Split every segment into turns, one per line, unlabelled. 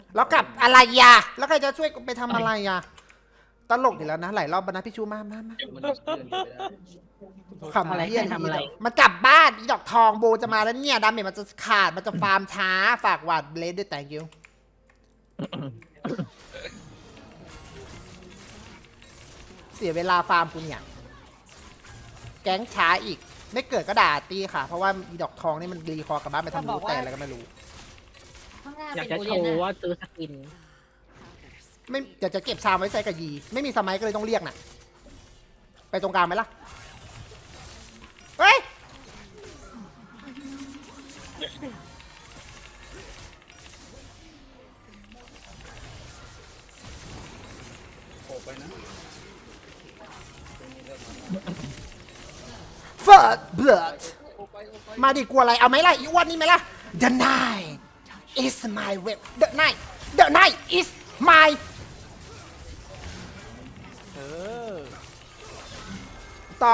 แล้วกลับอะไรยะแล้วใครจะช่วยไปทำอะไรยะตลกอยู่แล้วนะหลายรอบนะพี่ชูมาขำอะไรเฮียมันกลับบ้านอีดอกทองโบจะมาแล้วเนี่ยดาเมจมันจะขาดมันจะฟาร์มช้าฝากหวาดเลสด้วย thank you เสียเวลาฟาร์มกูเนี่ยแก๊งช้าอีกไม่เกิดก็ด่าตีค่ะเพราะว่าอีดอกทองนี่มันรีคอร์กลับบ้านไปทำรูแต่อะไรก็ไม่รู้
ข้างหน้า
อยาก
เป็น
จะ
โอ
โช
เลียน
ว์
นะ
ว่าซื้อสกิน
ไม่เดี๋ยวจะเก็บชามไว้ใส่กับยีไม่มีสมัยก็เลยต้องเรียกน่ะไปตรงกลางไหมล่ะเฮ้ยเฟิร์สเบิร์ดมาดิกลัวอะไรเอาไหมล่ะอีอ้วนนี่ไหมล่ะ The night is my way The night is my ต่อ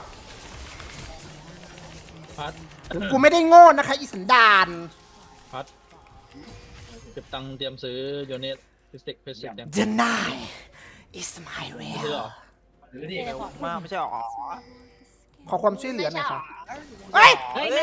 พัด
กูไม่ได้โง่นะคะอีสันดาน
พัดเก็บตังค์เตรียมซื้อโยเนตฟิสิกยัง
The night is my
ซื้อ
will
เหรอ
มากไม่ใช่หรอ
ขอความช่วยเหลือหน่อยค่ะเฮ้ย
เฮ้ยแม่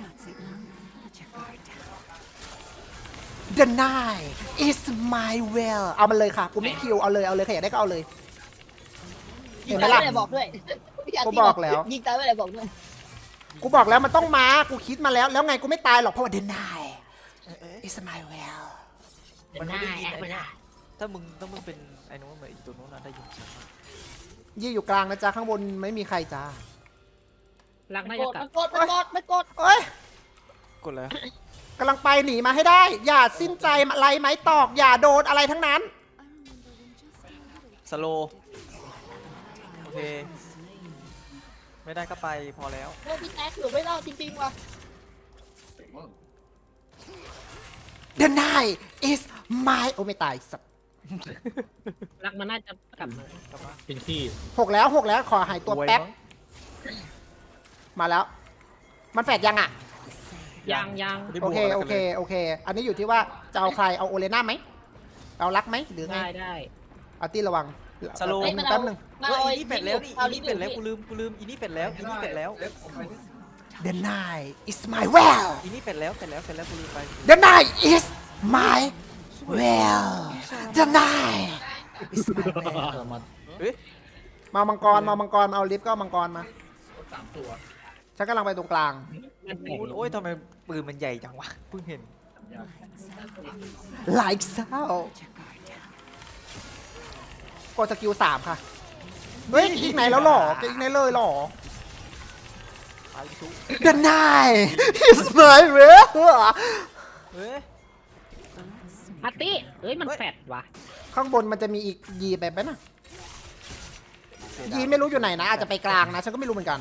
The night is my will เอามันเลยค่ะ กูไม่คิว เอาเลยใครอยากได้ก็เอาเลย
ยิ
เห็
ง
นไหม
ตาย
ล่ะ
ไม่ได้บอกด้วย
กูบอกแล้ว
ยิงตายไม่ได้บอกด้วย
กูบอกแล้วมันต้องมา กูคิดมาแล้ว แล้วไงกูไม่ตายหรอก เพราะว่า The night is my will
มันไม่ได้ยินเลยนะถ้ามึงเป็นไอ้นู้นเหมือนอีตัวนู้นนะได้ยินเสียง
ยี่อยู่กลางนะจ๊ะ ข้างบนไม่มีใครจ้า
รักน่า
โก
จะ
ด
กลับ
มันกด
เอ้ย
กดแล้ว
กำลังไปหนีมาให้ได้ อย่าสิ้นใจอะไรไหมตอก อย่าโดนอะไรทั้งนั้น
สโลโอเคไม่ได้ก็ไปพอแล้ว
โอ้พี่แท็กอยู่ไม่รอดจริงๆว่ะ
The night is my โอ้ไม่ตายสัตว์
รักมันน่าจะกลับมา
เป็นขี้
หกแล้วขอหายตัวแป๊บ มาแล้ว มันแฝดยังอ่ะ
ยัง
โอเค อันนี้อยู่ที่ว่าจะเอาใคร เอาโอเลน่าไหม เอารักไหมหรือไง
ได้
อาร์ตี้ระวัง
สโล
แป๊บนึง
มา
เฮ้ย
เอา
อีนี่เป็ดแล้วนี่
เอา
อีนี่เป็ดแล้วกูลืมอีนี่เป็ดแล้วอีนี่เป็ดแล้ว
The night is my well
อีนี่เป็ดแล้วกูลืมไป
The night is my well The night is my well
เฮ้ย
มามังกรเอาลิฟต์ก็เอามังกรมาฉันกำลังไปตรงกลาง
โอ้ยทำไมปืนมันใหญ่จังวะเพิ่งเห็น
like so กดสกิล3ค่ะ เฮ้ยอีกไหนแล้วหรอจะอีกไหนเลยหรอ
ไปชุบ
The night is my well
เฮ้ย
อาร์ตี้เอ้ยมันแฟดว่ะ
ข้างบนมันจะมีอีกยีไปไหมนะยีไม่รู้อยู่ไหนนะอาจจะไปกลางนะฉันก็ไม่รู้เหมือนกัน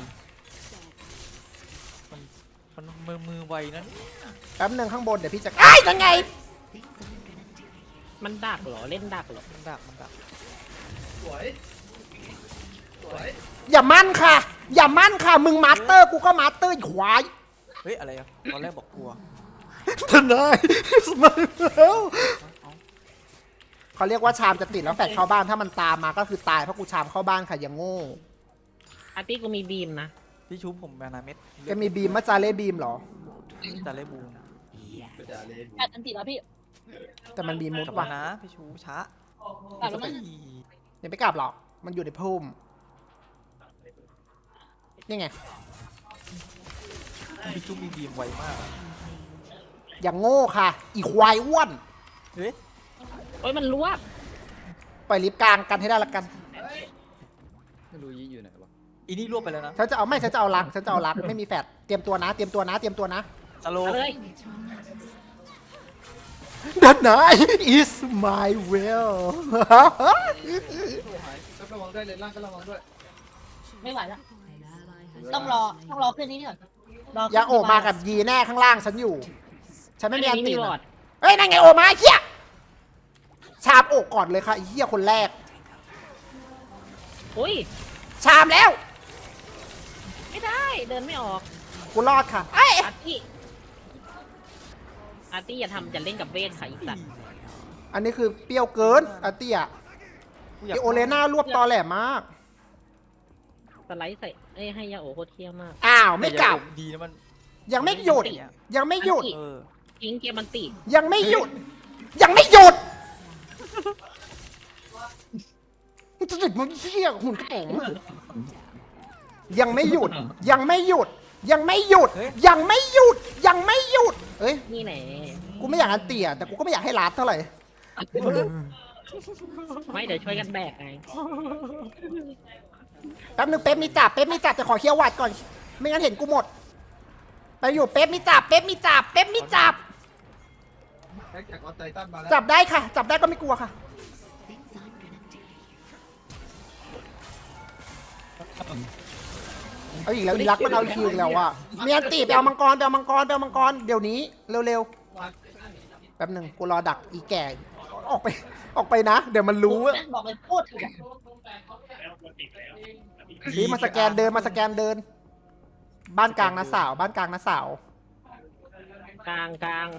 มันมือไวนะนี่
แป๊บนึงข้างบนเดี๋ยวพี่จะอ้ายยังไง
มันดักเหรอเล่นดักเหรอ
มันดัก
อย่ามั่นค่ะ มึงมาสเตอร์กูก็มาสเตอร์อีกควาย
เฮ้ยอะไรอ่ะตอนแรกบอกกลัว
ทนายมาแล้วเขาเรียกว่าชามจะติดแล้วแฟดเข้าบ้านถ้ามันตามมาก็คือตายเพราะกูชามเข้าบ้านค่ะอย่างโง่
อาร์ตี้กูมีบีมนะ
พี่ชุบผมนาเม็ด
จะมีบีมมาจาเล่บีมเหรอ
จะเล่บูม
แอดอันติดแล้วพี่
แต่มันบีมมุด
กลับ
ว่ะ
มานะพี่ชูช้าก
ลับแล้วมั้ง
อย่าไปกลับหรอกมันอยู่ในพุ่มนี่ไง
พี่ชุบมีบีมไวมาก
อย่างโง่ค่ะ อีควายอ้วน
เฮ้ย
โอ้ยมันรวบ
ปล่อยลิฟต์กลางกันให้ได้ละกัน
ไม่รู้ยี่อยู่ไหนวะ
อีนี่รวบไปแล้วนะ
ฉันจะเอารักไม่มีแฟดเตรียมตัวนะ
สโล
เอาเลย
The night is my will
ระวังด้วยเลยล่างก็ระวังด้วย
ไม่ไหวแล้วต้องรอขึ้นนี่ก่อนร
อย่าโอบมากับยีแน่ข้างล่างฉันอยู่ ฉันไม่มีอันตี
บอ
นะ
ด
เฮ้ยนั่นไงโอมาเฮียชามโอกก่อนเลยค่ะไอ้เฮียคนแรก
อุ้ย
ชามแล้ว
ไม่ได้เดินไม่ออก
กูรอดค่ะเอ้ย
อาร์ตี้อย่าทำจะเล่นกับเวทค่ะอีสัตว์
อันนี้คือเปรี้ยวเกินอาร์ตี้อะ
กูอยาก
ไอโอเลน่ารวบตอแหลมาก
สไลด์ใส่เอ้ยให้ยาโอโคตรเที่ยมาก
อ้าวไม่กลับ
ดีนะมัน
ยังไม่หยุด ยังไม่หยุด
เออ
ทิ้งเกมมันติ
ยังไม่หยุด ยังไม่หยุดมันจะติดมันเชี่ยหุ่นกระป๋องยังไม่หยุด ยังไม่หยุด ยังไม่หยุด ยังไม่หยุด ยังไม่หยุดเอ้ย
นี่แหละ
กูไม่อยากอันเตี่ยแต่กูก็ไม่อยากให้ลาดเท่าไหร่
ไม่เดี๋ยวช่วยกันแบกไง
แป๊บนึงเป๊ปมีจับแต่ขอเคี้ยวหวัดก่อน ไม่งั้นเห็นกูหมด ไปอยู่เป๊ปมีจับจับได้ค่ะ จับได้ก็ไม่กลัวค่ะ เอาอีกแล้วอีรักมันเอาคิวอีกแล้วอ่ะมีอันตีไปเอามังกรเดี๋ยวนี้เร็วๆแป๊บหนึ่งกูรอดักอีแก่ออกไปนะ เดี๋ยวมันรู้อะ
บอกเลยพูดถึง
นี่มาสแกนเดินบ้านกลางนะสาว
กลาง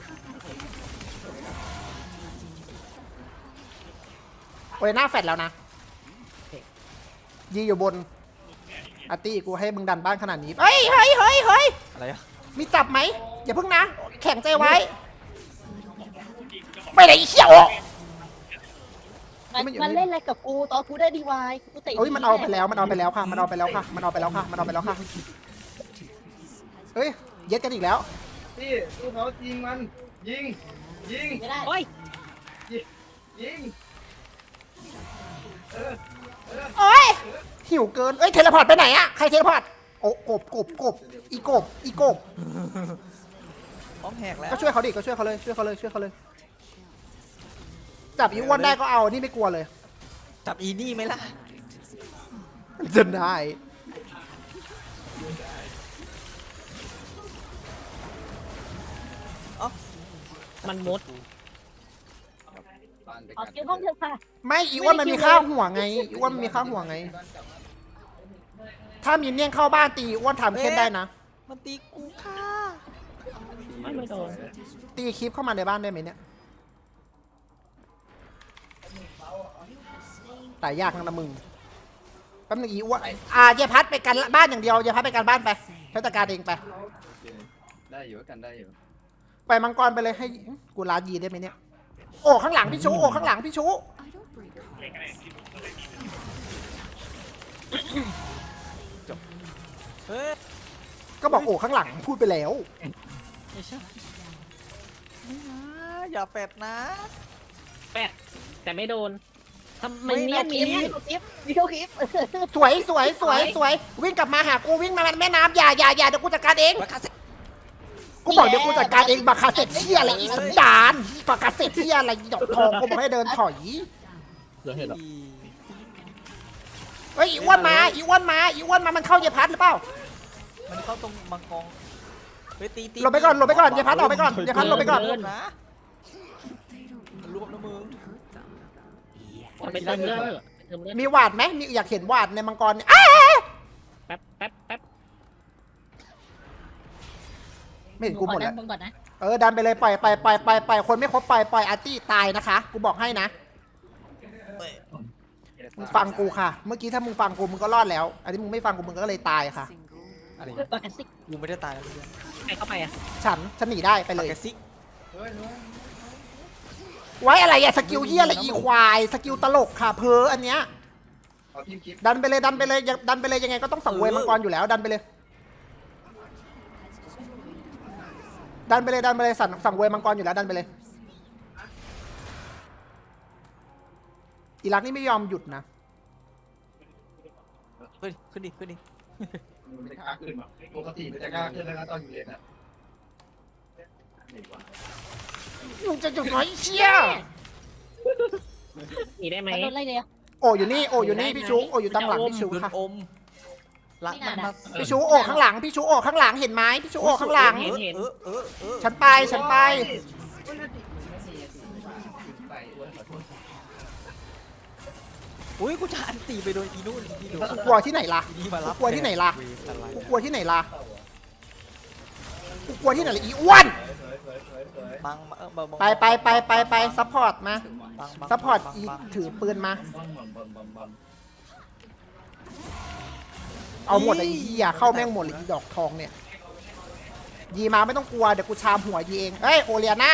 โอ้ยหน้าแฟดแล้วนะยีอยู่บนอาร์ตี้กูให้มึงดันบ้านขนาดนี้เฮ้ย
อะไรอะ
มีจับไหมอย่าเพิ่งนะ แข็งใจไว้ไปไหนอีเขี้ยว
มันเล่นอะไรกับกูตอนกูได้ดีวายกูเตะ
เอ้ยมันเอาไปแล้วค่ะเฮ้ยเย็ดกันอีกแล้ว
พี่ลูกเขายิงมันยิง
ไม่ได้
โอ้ย
ยิง
โอ้ยหิวเกินเอ้ยเทเลพอร์ตไปไหนอะใครเทเลพอร์ตโอ้กบอีกบ
พร้อมแหกแล้ว
ก็ช่วยเขาดิก็ช่วยเขาเลยจับอีอ้วนได้ก็เอานี่ไม่กลัวเลย
จับอีนี่ไหมล่ะ
จะได้
มันมุด
เอาคิวห้องเถอะค่ะ
ไม่อีอ้วนมันมีข้าวหัวไงถ้ามีเนี่ยงเข้าบ้านตีอ้วนทำเค้นได้นะ
มันตีกูค่ะ
ไม่โดน
ตีคลิปเข้ามาในบ้านได้ไหมเนี่ยแต่ยากนะมึงแป๊บนึงอีอ้วนเยพัดไปกันบ้านอย่างเดียวเยพัดไปกันบ้านไปฉันจัดการเองไป
ได้อยู่กันได้อยู่
ไปมังกรไปเลยให้กูลายีได้ไหมเนี่ยโอ้ข้างหลังพี่ชู
เฮ้ย
ก็บอกโอ้ข้างหลังพูดไปแล้ว
ไม่ใช่ไม่นะอย่าแฟดนะ
แปดแต่ไม่โดนทำไม
ไม่
เนี่ย
นะ
มี
วิดีโอคลิป
สวยวิ่งกลับมาหากูวิ่งมาแม่น้ำอย่าเดี๋ยวกูจัดการเอง
ราคาเซ็ต
กูบอกเดี๋ยวกูจัดการเองบาคาเซ็ตเที่ยอะไรอีสันดานบาคาเซ็ตเที่ยอะไรอีดอกทองกูบอกให้เดินถอย
เดี๋ยวเห็นอ่ะ
เฮ้ยอีอ้วนมามันเข้าเยพัดหรือเปล่า
มันเข้าตรงมังกรเฮ้ยตี
หลบไปก่อนเยพัดออกไปก่อนเยพัดหลบไปก่อน
รวบนะมันรวบนะมึง
ไปเติมเลือดเ
มีหวาดไหมมีอยากเห็นหวาดในมังกรเนี่ย
แป๊บ
ไม่เห็นกูหมดแล้ว
มึงก่อนนะ
ดันไปเลยปล่อยคนไม่ครบปล่อยอาร์ตี้ตายนะคะกูบอกให้นะมึงฟังกูค่ะ เมื่อกี้ถ้ามึงฟังกูมึงก็รอดแล้ว อันนี้มึงไม่ฟังกูมึงก็เลยตายค่ะ
อะไร
ปกติ
กูไม่ได้ตายแล้วเพื่อน
ใครเข้าไปอ่ะ
ฉันหนีได้ไปเลย
ปากกาซิก
ไว้อะไรอะสกิลเฮียอะไรอีควายสกิลตลกค่ะเพออันเนี้ย
เอาทีมคลิป
ดันไปเลยยังไงก็ต้องสังเวยมังกรอยู่แล้วดันไปเลยสั่งเวยมังกรอยู่แล้วดันไปเลยอีรักนี่ไม่ยอมหยุดนะ
เฮ้ยขึ้นดิ
มันจะกล้าขึ้นปกติมันจะกล้าขึ้นแล้วนะตอนอยู่เลนอ่ะ
มึงจะหยุดน้อยเชี่ย
หนีได้ไหม
มันโดนไล่เลยอะ
โอ้อยู่นี่พี่ชูโอ้อยู่ตามหลังพี่ชู
โดน
ค่ะ
อมรักมันมา
พี่ชูโอ้ข้างหลังเห็นไหมพี่ชูโอ้ข้างหลัง ฉันไป
อุ้ยกูจะอันตีไปโดนอีนู่นอีนี่ดู
กูกลัวที่ไหนล่ะ
อีนี่มารับ
กูกลัวที่ไหนล่ะ
เวรอะไร
กูกลัวที่ไหนล่ะอีอ้วน
บังบัง
ไปซัพพอร์ตมา
บัง
ซัพพอร์ต
บัง
อี
บัง
ถือปืนมา
บัม
เอาหมดเลยไอ้เหี้ยเข้าแม่งหมดเลยอีดอกทองเนี่ยยีมาไม่ต้องกลัวเดี๋ยวกูชามหัวยีเองเฮ้ยโอเลียน่า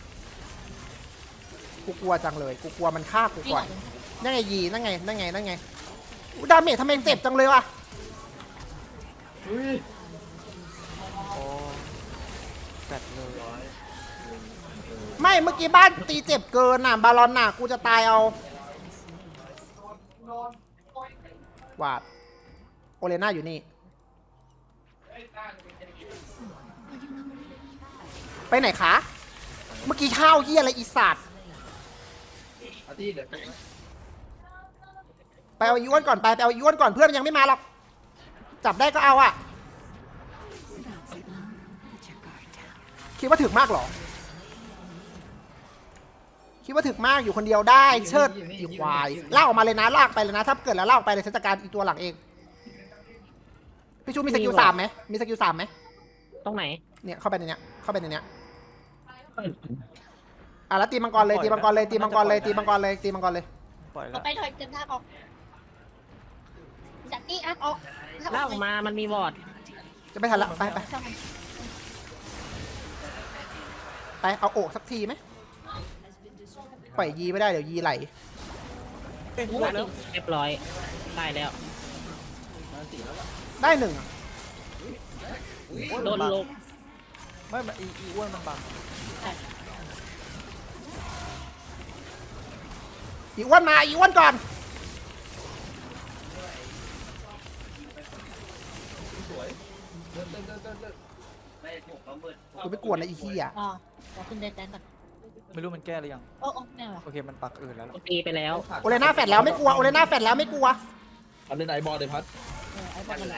กูกลัวจังเลยกูกลัวมันฆ่ากู
พี่
ก่
ห
อ
น่อน ย
นั่นไงยีนั่นไงอุ๊ยดาเมจทำไมเจ็บจังเลยวะ
อุ้ย
โอ้แฟดเลย
ไม่เมื่อกี้บ้านตีเจ็บเกินน่ะบาลอนน่ะกูจะตายเอาวาดโอเลน่าอยู่นี่ไปไหนคะเมื่อกี้ข้าวเหี้ยอะไรอีสัตว์
อาร์ตี้เดี๋ยว
ไปเอาอีอ้วนก่อนไปเอาอีอ้วนก่อนเพื่อนมันยังไม่มาหรอกจับได้ก็เอาอะคิดว่าถึกมากเหรอคิดว่าถึกมากอยู่คนเดียวได้เชิดอีควายลากออกมาเลยนะลากไปเลยนะถ้าเกิดแล้วลากออกไปเลยฉันจัดการอีตัวหลังเองพี่ชูมีสกิล3ไหมมีสกิล3ไหม
ตรงไหน
เนี่ยเข้าไปในเนี้ยอ่ะแล้วตีมังกรเลยตีมังกรเลย
ปล่อย
ก็
แล้ว
ไปถอยเดินทางออกจากที่อัพออก
เล่าออกมามันมีวอร์ด
จะไม่ทันละไปเอาโอกสักทีไหมปล่อยยีไม่ได้เดี๋ยวยีไหล
เอ้ยปล่อยแล้ว
เรียบร้อยตายแล้ว
ได้หนึ่งอะ
โดนลบ
ไม่มันอีอ้วนมันบัง
อีอ้วนมาอีอ้วนก่อนกูไม่กวนนะอีขี้อ่ะ
อ๋อขอขึ้นเดินแดนก่อน
ไม่รู้มันแก้หรือยัง
โอ้ไม่หรอ
โอเคมันปักอื่นแล้วล่ะ
ตีไปแล้ว
โอเลน่าแฟดแล้วไม่กลัวโอเลน่าแฟดแล้วไม่กลัว
อันเล่นไอบอลเลยพัด
ไอ้บอลนั่นแหละ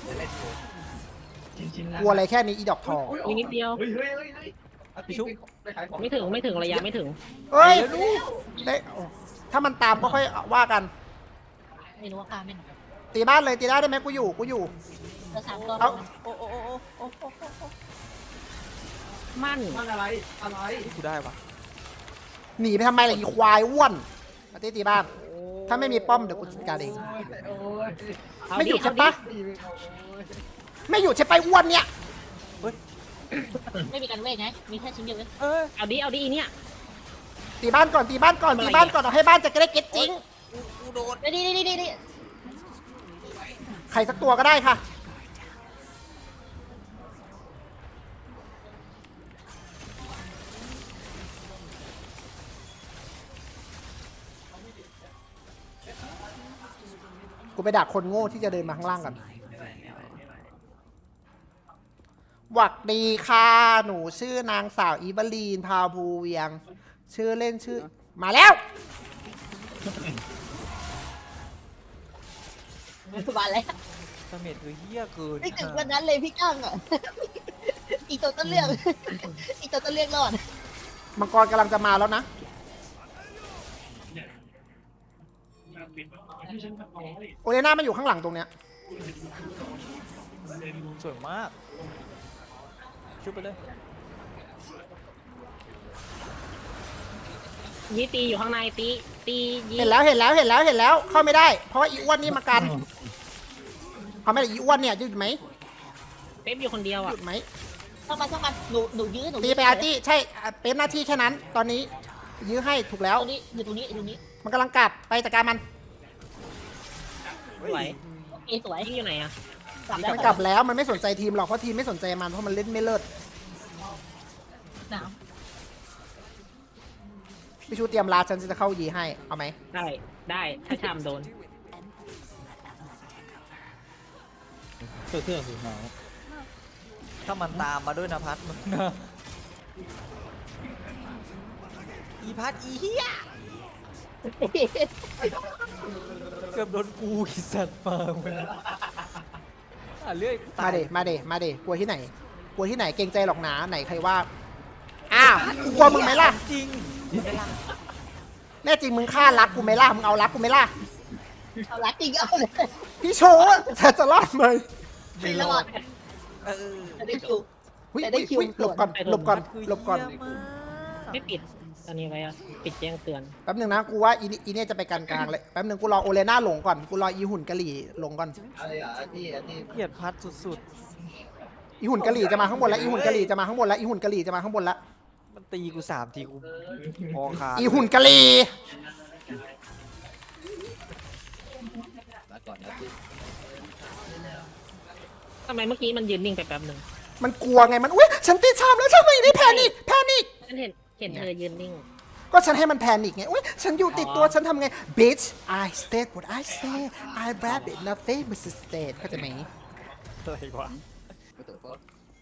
กลัวอะไรแค่นี้อีดอกทอง
มีนิดเดียว
เฮ้ยพี่ชุบไปขายของ
ไม่ถึงระยะไม่ถึง
เฮ้ยได้โอ้ถ้ามันตามก็ค่อยว่ากัน
ไม่รู้ว่าฆ่าไม่หน
ตีบ้านเลยตีได้ไหมกูอยู่
เหลือ3ตัว
เอา
โอ้โอ้โอ้โอ้โอ้โอ้
มั่น
มันอะไร
กูได้ปะ
หนีไปทำไมล่ะอีควายอ้วนมาตีบ้าน ถ้าไม่มีป้อมเดี๋ยวกูจัดการเอง
โอ้ย
เอา
ไม่ห
ดิ
ยุด
เอา
ใช่
ดิ
ปะไม่หยุดใช่ปะอ้วนเนี่ย
ไม่มีการเวทไงมีแค่ชิ้นเดียวเลย
เอ้ย
เอาดิอีเนี่ย
ตีบ้านก่อนเอาให้บ้านจะได้เก็ตจริง
กูโดน
นี่
ใครสักตัวก็ได้ค่ะกูไปดักคนโง่ที่จะเดินมาข้างล่างกันหวักดีค่ะหนูชื่อนางสาวอีเบลีนพาวภูเวียง ชื่อเล่นชื่อมาแล้ว
มาแล้ว
ดาเมจคือเหี้ยเกิน
ไม่ถึงวันนั้นเลยพี่ก้างอ่ะอีกตัวต้นเรื่องอีกตัวต้นเรื่องรอด
มังกรกำลังจะมาแล้วนะ โอเลน่ามันอยู่ข้างหลังตรงเนี้ย
สวยมากชุบไปเลย
ยีตีอยู่ข้างในตียี
เห็นแล้วเข้าไม่ได้ เพราะว่าอีอ้วนนี่มากันเขาไม่ได้อีอ้วนเนี่ยหยุดไหม
เป๊ปอยู่คนเดียว
ห
อ่ะ
ยุดไหม
ช่างมันหนูยื้อ
ตีไปอาร์ตี้ใช่เป็นหน้าที่แค่นั้น ตอนนี้ยื้อให้ถูกแล้ว
ตรงนี้อยู่ตรงนี้
มันกำลังกลับไปจัดการมัน
ไม่ไหว
โอเคสวย
ยิงอยู่ไหนอ่ะ
กลับแล้ว
มันกลับแล้วมันไม่สนใจทีมหรอกเพราะทีมไม่สนใจมันเพราะมันเล่นไม่เลิศ
หนาว
พี่ชูเตรียมลาฉันจะเข้ายีให้เอาไหม
ได้ถ้าชามโดน
เสื้อสีขาว
ถ้ามันตามมาด้วยนะพัดมึงนะอีพัดอีเหี้ยเกือบโดนกูอีสัตว์มาเว้ยเรื่อย
มาเดกลัวที่ไหนเกรงใจหรอกหนาไหนใครว่าอ้าวกูกลัวมึงไหมล่ะ
จริง
แน่จริงมึงฆ่ารักกูไหมล่ะมึงเอารักกูไหมล่ะ
เอาละจริงเอาเลย
พี่โชว์จะรอดไหม
ไม่รอด
เออ
จะได้ถูก
หหุ้ย
แต่ได้คิว
หลบก่อนหลบก่อน
คือ
หลบก่อน
เหี้ยมาก
ไม่ปิดอันนี้ไว้อะปิดแจ้งเตือน
แป๊บหนึ่งนะกูว่าอีเนี่ยจะไปกลางๆเลยแป๊บหนึ่งกูรอโอเลน่าหลงก่อนกูรออีหุ่นกะหรี่หลงก่อน
อะไรอ่ะที่
เกลียดพัดสุด
อีหุ่นกะหรี่จะมาข้างบนแล้วอีหุ่นกะหรี่จะมาข้างบนแล้วอีหุ่นกะหรี่จะมาข้างบนแล้ว
ๆ มันตีกู3 ทีกูพอขาด
อีหุ่นกะหรี่
มาก่อนนะที่
ทำไมเมื่อกี้มันยืนนิ่งไปแป๊บหนึ่ง
มันกลัวไงมันอุ้ยฉันติดชามแล้วฉันไม่ได้แพนิค
ฉันเห็นเธอยืนนิ่ง
ก็ฉันให้มันแพนิคไงอุ้ยฉันอยู่ติดตัวฉันทำไง bitch I said what I say I rap it nothing but state เข้าใจไหม
อะไรวะ
ก็ตัวก็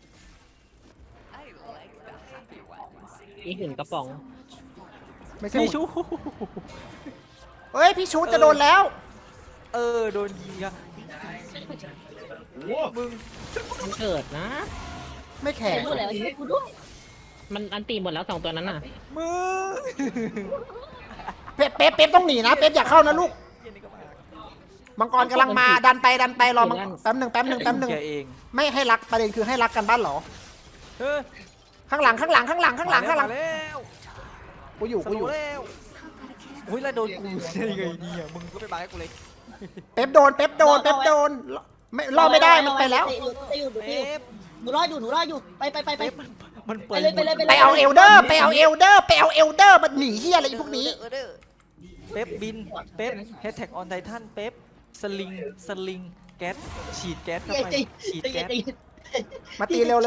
อีหุ่นกระป๋อง
ไม่ใช่
พี่ชู
เฮ้ยพี่ชูจะโดนแล้ว
โดนยิงอะ
โอ้
มึง
มันเกิดนะ
ไม่แข็
เห็
ง
นหมดแล้วยิงกูด้วย
มันอันตีหมดแล้ว2ตัวนั้นน่ะ
มึง
เป๊ปต้องหนีนะเป๊ปอย่าเข้านะลูก
เหี้ยนี่ก็มา
มังกรกำลังมาดันไปรอมังแป๊บหนึ่ง
แกเอง
ไม่ให้รักประเด็นคือให้รักกันบ้านเหรอ
เฮ้ย
ข้างหลัง
มาแล้ว
กูอยู่
สโลว์แล้วอุ้ยแล้วโดนกูได้ไงเนี่ยมึงก็ไปบายกูเลย
เป๊ปโดนไม่รอดไม่ได้มันไปแล้ว
อยู่
เป๊ป
หนูรออยู่ไป
เป๊ปมันเปิด
ไปเอาเอลเดอร์มันหนีเฮียอะไรพวกนี้
เป๊ปบินเป๊ปแฮชแท็กออนไททันเป๊ปสลิงแก๊สฉีดแก๊สเข้าไปฉีดแก๊ส
มาตีเร็ว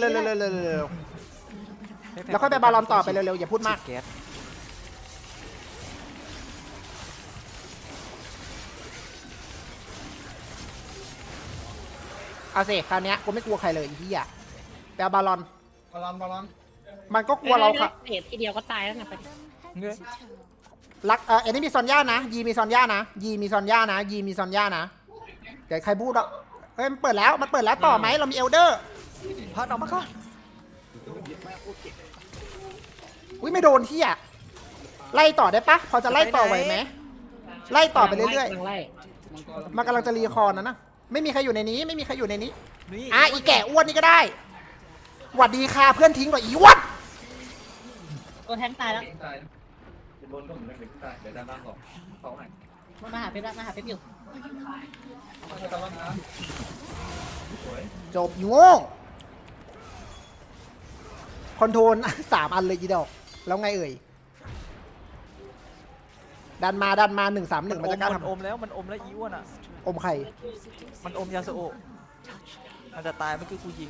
แล้วค่อยไปบาลอนต่อไปเร็วอย่าพูดมาก
แก๊ส
เอาสิคราวนี้กูไม่กลัวใครเลยอีเหี้ยไปเอาบาลอน
บอล
มันก็กลัวเราค่ะ
เตะทีเดียวก็ตายแล้วนะไป
เงี้ย
รักเอ็นนี่มีซอนย่านะยีมีซอนย่านะเดี๋ยวใครพูดอ่ะเฮ้ยมันเปิดแล้วต่อไหมเรามีเอลเดอร์
พัดออกมาก่อน
อุ้ยไม่โดนที่อ่ะไล่ต่อได้ปะพอจะไล่ต่อไหวไหมไล่ต่อไปเรื่อย
ไล่
ๆมันกำลังจะรีคอร์นะไม่มีใครอยู่ในนี้
นี่
อีแก่อ้วนนี่ก็ได้หวัดดีค่ะเพื่อนทิ้งก่อนอีอ้วน
ตัวแทงตายแล้ว
ตายเป็นบนก็เหมือนกันตายเดี๋ยวด้านล่างก่อนเขาให้
มาหาเป๊ปอยู่
เขาจะรับน้
จบอยู่โง่คอนโทรล 3 อันเลยอีดอกแล้วไงเอ่ยดันมา1-3-1มันจะกล้าท
มันอมแล้วอีอ้วนอ่ะ
ำอมไข่
มันอมยาสโอะมันจะตายเมื่อกี้กูยิง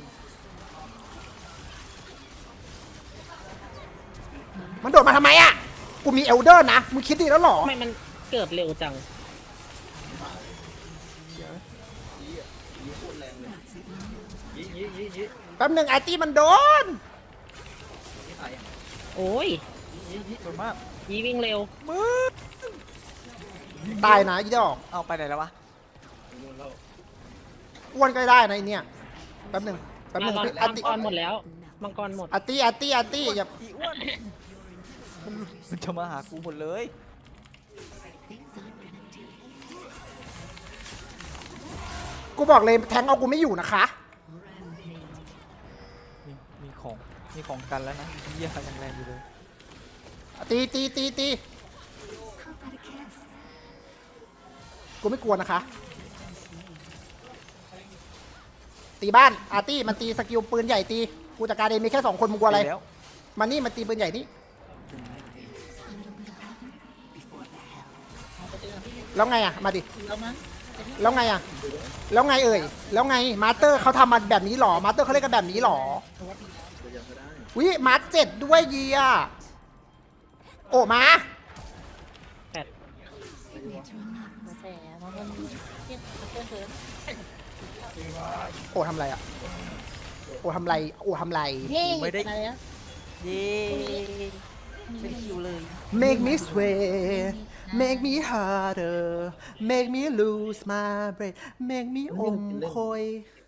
มันโดดมาทำไมอ่ะกูมีเอลเดอร์นะมึงคิดดีแล้วหรอ
ทำไมมันเกิดเร็วจัง
ยี่
แป๊บหนึ่งไอตี้มันโดน
ตายอ่ะ
โอ้ย
สวยมาก
ยีวิ่งเร็ว
มึง
ตายนะอีดอก
เอาไปไหนแล้ววะ
อ้วนก็ได้นะไอเนี่ยแป๊บหนึ่ง
มัง
อาติ
กรหมดแล้วมังกรหมด
อาตี้อย่า
อีอ้วนมันจะมาหากูหมดเลย
กูบอกเลยแทงเอากูไม่อยู่นะคะ
มีของกันแล้วนะเยี่ยยังแรงอยู่เลย
ตีกูไม่กลัวนะคะ ตีบ้านอาร์ตี้มันตีสกิลปืนใหญ่ตีกูจัดการเองมีแค่2 คนมึงกลัวอะไร
แล้ว
มันนี่มันตีปืนใหญ่นี่แล้วไงอ่ะมาดิ
แล้วมั้ง
แล้วไงอ่ะแล้วไงเอ่ยแล้วไงมาสเตอร์เขาทำมาแบบนี้หรอมาสเตอร์เขาเล่นกันแบบนี้หรอวิมาร์7ด้วยเยียโอ้มา
แปด
มาแสมันเทียบเพื่อนเธอ
โอ้ทำไรอ่ะโอ้ทำไร
เฮ้
ไม่ได้
อะไรนะ
เย้ไม่ได้คิวเลย
make me sweat make me harder make me lose my breath make me อมคอย